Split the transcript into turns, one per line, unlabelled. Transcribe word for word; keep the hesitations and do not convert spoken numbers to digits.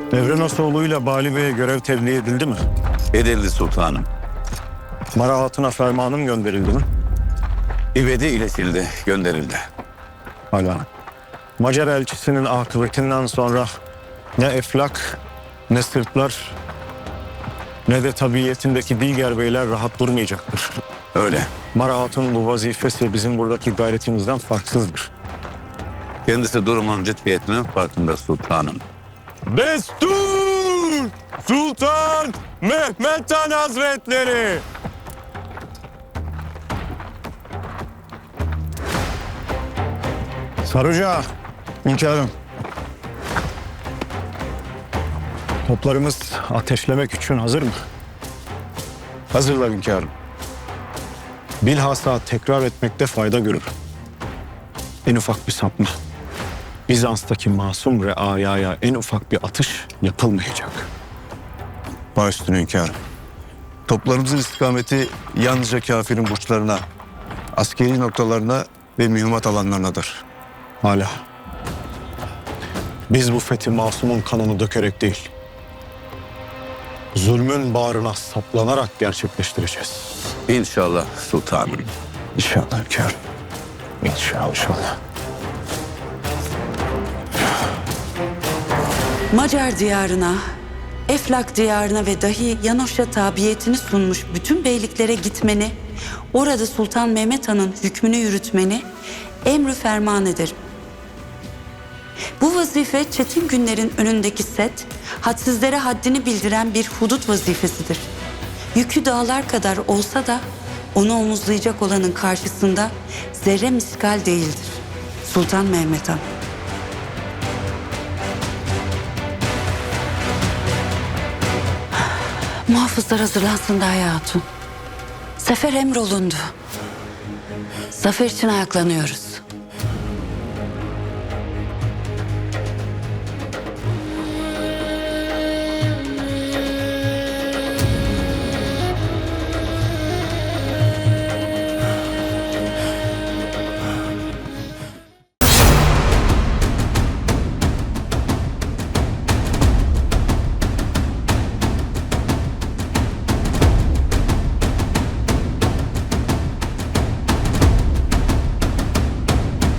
Devrenasoğlu'yla Bali Bey'e görev tebliğ edildi mi?
Edildi sultanım.
Mara Hatun'a fermanım gönderildi mi?
İvedi iletildi, gönderildi.
Hala. Macar elçisinin akıbetinden sonra ne Eflak, ne Sırplar, ne de tabiyetindeki diğer beyler rahat durmayacaktır.
Öyle.
Mara Hatun bu vazifesi bizim buradaki gayretimizden farksızdır.
Kendisi durumun ciddiyetinin farkında sultanım.
Destur! Sultan Mehmet Han Hazretleri! Sarıca, hünkârım. Toplarımız ateşlemek için hazır mı? Hazırlar hünkârım. Bilhassa tekrar etmekte fayda görür. En ufak bir sapma, Bizans'taki masum reayaya en ufak bir atış yapılmayacak.
Baş üstüne hünkârım. Toplarımızın istikameti yalnızca kafirin burçlarına, askeri noktalarına ve mühimmat alanlarınadır.
Hala. Biz bu fethi masumun kanını dökerek değil, zulmün bağrına saplanarak gerçekleştireceğiz.
İnşallah sultanım.
İnşallah hünkârım. İnşallah. İnşallah.
Macar diyarına, Eflak diyarına ve dahi Yanoş'a tabiyetini sunmuş bütün beyliklere gitmeni, orada Sultan Mehmet Han'ın hükmünü yürütmeni emrü ferman ederim. Bu vazife çetin günlerin önündeki set, hadsizlere haddini bildiren bir hudut vazifesidir. Yükü dağlar kadar olsa da onu omuzlayacak olanın karşısında zerre miskal değildir. Sultan Mehmet Han. Muhafızlar hazırlansın Daya Hatun. Sefer emrolundu. Zafer için ayaklanıyoruz.